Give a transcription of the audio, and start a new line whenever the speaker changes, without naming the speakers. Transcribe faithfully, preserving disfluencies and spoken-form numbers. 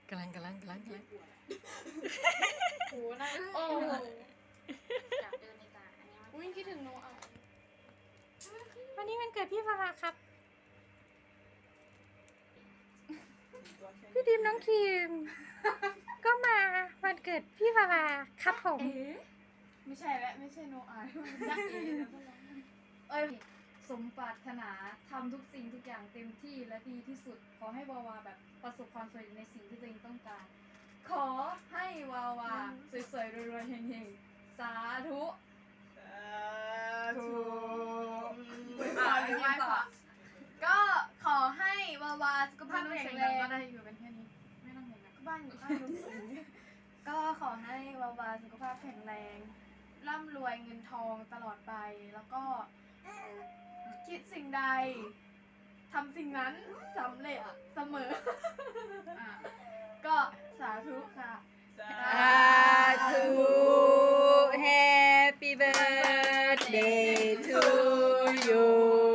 กำลังกำลังกำลังกำลัง
โอ้น่าโอ้อยากเดินในตาอันนี้อุ้ยคิดถึงโนเอา
วันนี้มันเกิดพี่ฟาราครับพี่ดิมน้องคิมก็มาวันเกิดพี่ฟาราครับผม
ไม่ใช่แล้วไม่ใช่โนอายักษ์เอนะเอ้ยสมปรารถนาทำทุกสิ่งทุกอย่างเต็มที่และดีที่สุดขอให้วาวาแบบประสบความสำเร็จในสิ่งที่ตัวเองต้องการขอให้วาวาสวยๆรวยๆเฮงๆสาธุถูกอ่าหรือว่าก็ขอให้วาวาสุขภาพแข็งแรงก็ได้อยู่เป็นแค่นี้ไม่ต้องเห็นนะก็บ้านอยู่ข้างลุงสิงก็ขอให้วาวาสุขภาพแข็งแรงร่ำรวยเงินทองตลอดไปแล้วก็คิดสิ่งใดทำสิ่งนั้นสำเร็จเสมอก็สาธุค่ะ
สาธุ Happy birthday to you